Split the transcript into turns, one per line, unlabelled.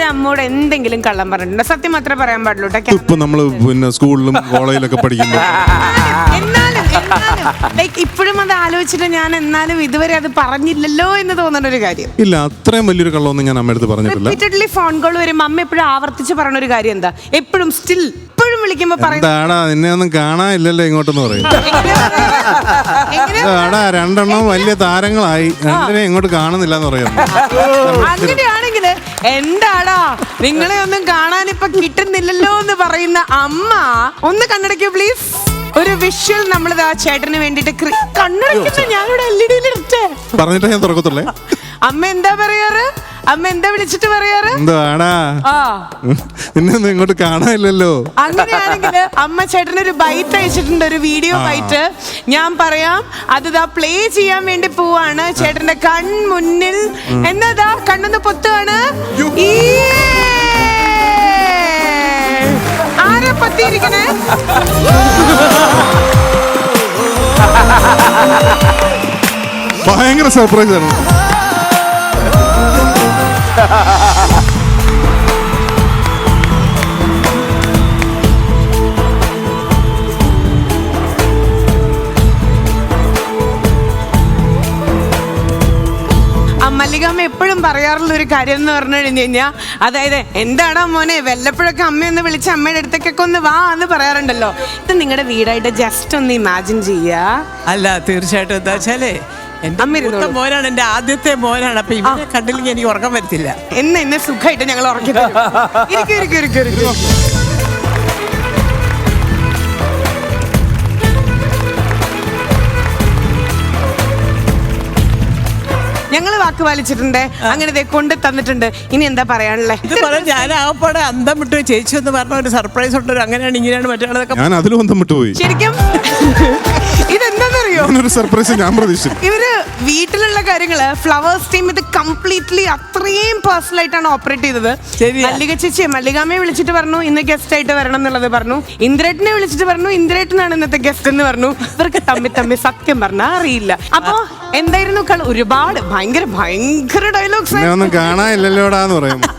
അമ്മോട് എന്തെങ്കിലും കള്ളം പറഞ്ഞിട്ടുണ്ടോ? സത്യം മാത്രമേ പറയാൻ പാടുള്ളൂ.
ഇപ്പൊ നമ്മള് പിന്നെ സ്കൂളിലും കോളേജിലൊക്കെ പഠിക്കുമ്പോൾ
എന്നാലും ലൈക്ക് ഇപ്പോഴും അത് ആലോചിച്ചിട്ട് ഞാൻ എന്നാലും ഇതുവരെ അത് പറഞ്ഞില്ലല്ലോ എന്ന് തോന്നുന്ന ഒരു കാര്യം
ഇല്ല. അത്രയും വലിയൊരു കള്ളമൊന്നും ഞാൻ അമ്മ അടുത്ത് പറഞ്ഞിട്ടില്ല.
റിപ്പീറ്റഡ്ലി ഫോൺ കോൾ വരുമ്പോ അമ്മ എപ്പോഴും ആവർത്തിച്ച് പറഞ്ഞ ഒരു കാര്യം എന്താ? എപ്പോഴും സ്റ്റിൽ ഇപ്പോഴും വിളിക്കുമ്പോ
എന്താടാ നിന്നെ ഒന്നും കാണാനില്ലല്ലോ ഇങ്ങോട്ടെന്ന് പറയും. ആടാ രണ്ടെണ്ണം വലിയ താരങ്ങളായി, രണ്ടിനെ ഇങ്ങോട്ട് കാണുന്നില്ല എന്ന് പറയാം.
അങ്ങനെയാണെങ്കിൽ എന്താടാ നിങ്ങളെ ഒന്നും കാണാൻ ഇപ്പൊ കിട്ടുന്നില്ലല്ലോ എന്ന് പറയുന്ന അമ്മ ഒന്ന് കണ്ണടയ്ക്കൂ പ്ലീസ്. ഒരു വിഷ്വൽ നമ്മളിത് ആ ചേട്ടന് വേണ്ടിട്ട് കണ്ണടയ്ക്കുന്ന ഞാനിവിടെ LED
പറഞ്ഞിട്ട് ഞാൻ തുറക്കത്തുള്ളേ.
അമ്മ എന്താ പറയാറ്? അമ്മ എന്താ വിളിച്ചിട്ട് പറയാറ്?
എന്താടാ നിന്നെ ഒന്നും ഇങ്ങോട്ട് കാണാനില്ലല്ലോ.
അങ്ങനെയാണെങ്കിൽ അമ്മ ചേട്ടനൊരു ബൈറ്റ് അയച്ചിട്ടുണ്ട്, ഒരു വീഡിയോ ബൈറ്റ്. ഞാൻ പറയാം, അത് പ്ലേ ചെയ്യാൻ വേണ്ടി പോവാണ്. ചേട്ടന്റെ കൺമുന്നിൽ എന്നതാ കണ്ണൊന്ന് പൊത്തുകയാണ്. ആരാ പത്തിയിരിക്കണേ?
ഭയങ്കര സർപ്രൈസ് ആണ്.
മല്ലികാമ്മ എപ്പോഴും പറയാറുള്ള ഒരു കാര്യം എന്ന് പറഞ്ഞു കഴിഞ്ഞാൽ, അതായത് എന്താടാ മോനെ വല്ലപ്പോഴൊക്കെ അമ്മയൊന്ന് വിളിച്ച് അമ്മയുടെ അടുത്തേക്കൊക്കെ ഒന്ന് വാ എന്ന് പറയാറുണ്ടല്ലോ. ഇത് നിങ്ങളുടെ വീടായിട്ട് ജസ്റ്റ് ഒന്ന് ഇമാജിൻ ചെയ്യാ.
അല്ല തീർച്ചയായിട്ടും എന്താ വെച്ചാലേ എന്റെ മോനാണ്, എന്റെ ആദ്യത്തെ മോനാണ്. അപ്പൊ ഇവനെ കണ്ടില്ലെങ്കിൽ എനിക്ക് ഉറക്കം വരത്തില്ല.
എന്നെ സുഖമായിട്ട് ഞങ്ങൾ ഉറക്കി തരും. ഞങ്ങള് വാക്ക് പാലിച്ചിട്ടുണ്ട്, അങ്ങനെ കൊണ്ട് തന്നിട്ടുണ്ട്. ഇനി എന്താ പറയാനുള്ളത്?
ഇത് പറയാൻ ഞാൻ ആകപ്പാടെ അന്തം വിട്ടു. ചേച്ചി എന്ന് പറഞ്ഞ ഒരു സർപ്രൈസ് ഉണ്ട്, അങ്ങനെയാണ് ഇങ്ങനെയാണ് മറ്റുള്ളതൊക്കെ.
ഞാൻ അതിലും അന്തം വിട്ടുപോയി.
ശരിക്കും ഇതെന്താന്നറിയോ,
ഒരു സർപ്രൈസ് ഞാൻ പ്രതീക്ഷിച്ചു.
ഇവര് വീട്ടിലുള്ള കാര്യങ്ങള് ഫ്ലവേഴ്സ് ടീം ഇത് കംപ്ലീറ്റ്ലി അത്രയും പേഴ്സണൽ ആയിട്ടാണ് ഓപ്പറേറ്റ് ചെയ്തത്. മല്ലിക ചേച്ചി മല്ലികാമ്മയെ വിളിച്ചിട്ട് പറഞ്ഞു ഇന്ന് ഗസ്റ്റ് ആയിട്ട് വരണം എന്നുള്ളത് പറഞ്ഞു. ഇന്ദ്രേട്ടനെ വിളിച്ചിട്ട് പറഞ്ഞു ഇന്ദ്രേട്ടനാണ് ഇന്നത്തെ ഗസ്റ്റ് എന്ന് പറഞ്ഞു. ഇവർക്ക് തമ്മിൽ സത്യം പറഞ്ഞാൽ അറിയില്ല. അപ്പൊ എന്തായിരുന്നു ഒരുപാട് ഭയങ്കര ഡയലോഗ്സ്
ഒന്നും കാണാനില്ലല്ലോടാന്ന് പറയും.